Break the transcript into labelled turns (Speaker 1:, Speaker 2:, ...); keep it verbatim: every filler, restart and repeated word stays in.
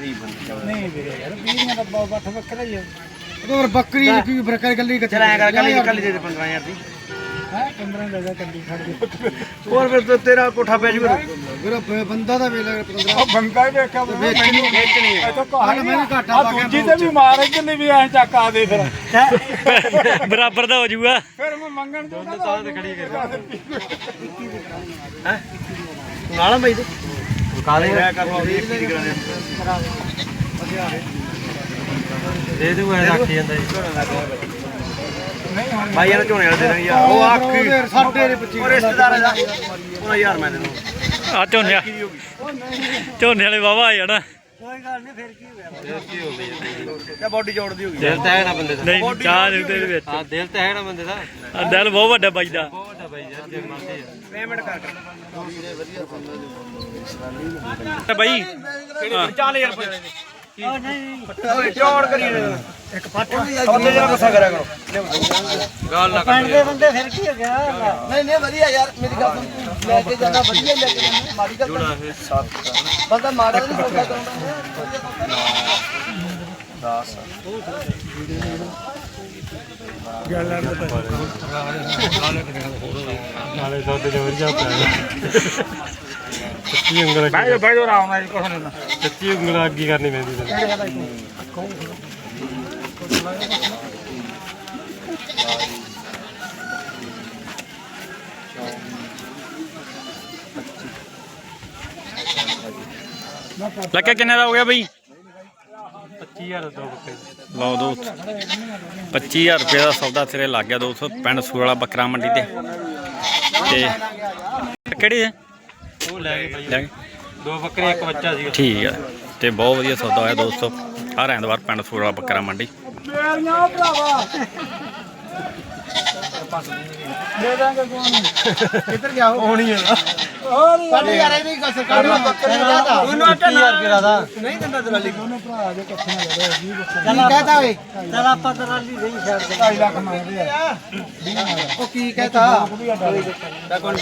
Speaker 1: ਨਹੀਂ ਵੀਰੇ ਯਾਰ ਵੀਹ ਦਾ ਬੱਠ ਬੱਕਰਾ ਹੀ ਹੈ
Speaker 2: ਉਹ ਬੱਕਰੀ ਕੀ ਫਰਕ ਗੱਲੀ ਕਿੱਥੇ
Speaker 3: ਚਲ ਐ ਕਰ ਕੱਲੀ ਕੱਲੀ ਦੇ ਦੇ ਪੰਦਰਾਂ ਹਜ਼ਾਰ ਦੀ
Speaker 1: ਹੈ ਪੰਦਰਾਂ ਲੈ ਜਾ ਕੱਲੀ ਛੱਡ ਦੇ
Speaker 3: ਹੋਰ ਫਿਰ ਤੇਰਾ ਕੋਠਾ ਪੈ ਜੂਗਾ
Speaker 2: ਵੀਰ ਬੰਦਾ ਦਾ ਵੇਲੇ ਪੰਦਰਾਂ
Speaker 1: ਉਹ ਬੰਦਾ ਹੀ ਵੇਖਿਆ
Speaker 2: ਵੇਚਣੀ
Speaker 3: ਵੇਚਣੀ
Speaker 1: ਇਹ ਤਾਂ ਕਹਾਣੀ
Speaker 2: ਮੈਂ ਘਾਟਾ ਪਾ ਕੇ
Speaker 1: ਦੂਜੀ ਤੇ ਵੀ ਮਾਰ ਕਿੰਨੀ ਵੀ ਐ ਚੱਕ ਆ ਦੇ ਫਿਰ
Speaker 4: ਬਰਾਬਰ ਦਾ ਹੋ ਜਾਊਗਾ
Speaker 1: ਫਿਰ ਮੈਂ ਮੰਗਣ ਜੋਗਾ ਤਾਂ ਤੇ ਖੜੀ ਕਰ
Speaker 3: ਹੈ ਨਾਲ ਬਾਈ ਤੇ ਕਾਲੇ ਰਹਿ ਕਰ ਲਓ ਇੱਕ ਦੀ ਕਰਾਣੇ ਦੇ ਦੂ ਐ ਰੱਖ ਜਾਂਦਾ ਜੀ
Speaker 1: ਨਹੀਂ ਹੁਣ
Speaker 3: ਭਾਈ ਇਹਨਾਂ ਝੋਨੇ ਵਾਲੇ ਦੇ ਦੇਣਗੇ ਯਾਰ ਉਹ ਆਖੀ
Speaker 2: ਸਾਡੇ ਦੇ ਪੱਚੀ
Speaker 3: ਉਹ ਰਿਸ਼ਤੇਦਾਰ ਦਾ ਉਹਨਾਂ ਯਾਰ ਮੈਂ ਦੇਣਾ
Speaker 4: ਆ ਝੋਨੇ ਝੋਨੇ ਵਾਲੇ ਵਾਵਾ ਆ ਜਾਣਾ
Speaker 1: ਕੋਈ ਗੱਲ ਨਹੀਂ ਫਿਰ ਕੀ ਹੋ ਗਿਆ
Speaker 3: ਤੇ ਬਾਡੀ ਜੋੜਦੀ ਹੋ ਗਈ
Speaker 5: ਦਿਲ ਤਾਂ ਹੈ ਨਾ ਬੰਦੇ ਦਾ
Speaker 4: ਨਹੀਂ ਚਾਹ ਦੇ ਦੇ ਵਿੱਚ
Speaker 5: ਹਾਂ ਦਿਲ ਤਾਂ ਹੈ ਨਾ ਬੰਦੇ ਦਾ
Speaker 4: ਆ ਦਿਲ ਬਹੁਤ ਵੱਡਾ ਬਾਈ ਦਾ
Speaker 5: ਬਹੁਤ ਵੱਡਾ ਬਾਈ ਯਾਰ ਜੇ ਮਰਦੇ ਆ
Speaker 3: ਪੇਮੈਂਟ ਕਰ
Speaker 4: ਤੇ ਬਾਈ
Speaker 3: ਚੱਲ ਯਾਰ
Speaker 1: ਉਹ ਨਹੀਂ
Speaker 3: ਓਏ ਚੌੜ ਕਰੀ ਇੱਕ ਫੱਟ ਉਹਦੇ ਜਿਹੜਾ ਗੁੱਸਾ ਕਰਿਆ ਕਰੋ
Speaker 5: ਗੱਲ ਨਾ
Speaker 1: ਪਿੰਡ ਦੇ ਬੰਦੇ ਫਿਰ ਕੀ ਹੋ ਗਿਆ
Speaker 2: ਨਹੀਂ ਨਹੀਂ ਵਧੀਆ ਯਾਰ ਮੇਰੀ ਗੱਲ ਸੁਣ ਲੈ ਕੇ ਜਾਣਾ ਵਧੀਆ ਲੈ ਕੇ ਜਾਣਾ ਮਾੜੀ ਗੱਲ
Speaker 5: ਜੋੜਾ ਫਿਰ
Speaker 2: ਬੰਦਾ ਮਾੜਾ ਨਹੀਂ ਸੌਦਾ ਕਰਾਉਂਦਾ
Speaker 3: ਦਸ
Speaker 4: ਨਾਲੇ ਸੌਦੇ ਦੇ ਵਰਜਾ ਪਿਆ ਸੱਚੀ ਉਂਗਲ
Speaker 1: ਭਾਈ ਭਾਈ ਉਹ ਆਉਣਾ ਜੀ ਕੁਛ ਨਹੀਂ
Speaker 4: ਸੱਚੀ ਉਂਗਲ ਅੱਗੀ ਕਰਨੀ ਪੈਂਦੀ ਤੈਨੂੰ ਲੱਗਾ ਕਿੰਨੇ ਦਾ ਹੋ ਗਿਆ ਬਈ
Speaker 5: ਪੱਚੀ ਹਜ਼ਾਰ ਦੋ ਬੱਕਰੇ
Speaker 4: ਲਓ ਦੋਸਤ ਪੱਚੀ ਹਜ਼ਾਰ ਰੁਪਏ ਦਾ ਸੌਦਾ ਸਿਰੇ ਲੱਗ ਗਿਆ ਦੋਸਤੋ ਪਿੰਡ ਸੂਰਾਲਾ ਬੱਕਰਾ ਮੰਡੀ ਤੇ ਤੇ ਕਿਹੜੀ ਹੈ
Speaker 5: ਉਹ ਲੈ ਗਏ ਬਾਈ
Speaker 4: ਲੈ ਗਏ?
Speaker 5: ਦੋ ਬੱਕਰੇ ਇੱਕ ਬੱਚਾ ਸੀ
Speaker 4: ਠੀਕ ਆ ਤੇ ਬਹੁਤ ਵਧੀਆ ਸੌਦਾ ਹੋਇਆ ਦੋਸਤੋ ਹਰ ਐਤਵਾਰ ਪਿੰਡ ਸੂਰਾਲਾ ਬੱਕਰਾ ਮੰਡੀ
Speaker 1: ਮੇਰੀਆਂ ਭਰਾਵਾ ਦੇ ਦਾਂਗੇ ਕੋਣ
Speaker 2: ਕਿੱਧਰ ਗਿਆ ਉਹ
Speaker 3: ਹੋਣੀ ਹੈ ਨਾ
Speaker 1: ਹੋਰ
Speaker 2: ਸਾਡੇ ਯਾਰ ਇਹ ਵੀ ਸਰਕਾਰ ਦਾ ਬੱਕਰੀ ਦਾ
Speaker 3: ਉਹਨੂੰ ਅੱਠ ਹਜ਼ਾਰ ਰੁਪਏ ਦਾ
Speaker 2: ਨਹੀਂ ਦਿੰਦਾ ਦਲਾਲੀ
Speaker 1: ਦੋਨੋਂ ਭਰਾ ਦੇ ਇਕੱਠੇ ਨਾ ਜਾਵੇ ਵੀਹ ਬੱਕਰੇ
Speaker 2: ਕੀ ਕਹਤਾ ਓਏ
Speaker 1: ਚਲ ਆਪਾਂ ਦਰਾਲੀ ਨਹੀਂ ਛੱਡ ਦੇ ਢਾਈ ਲੱਖ ਮੰਗਦੇ ਆ
Speaker 2: ਉਹ ਕੀ ਕਹਤਾ
Speaker 1: ਵੀ ਆ ਡਾਲੇ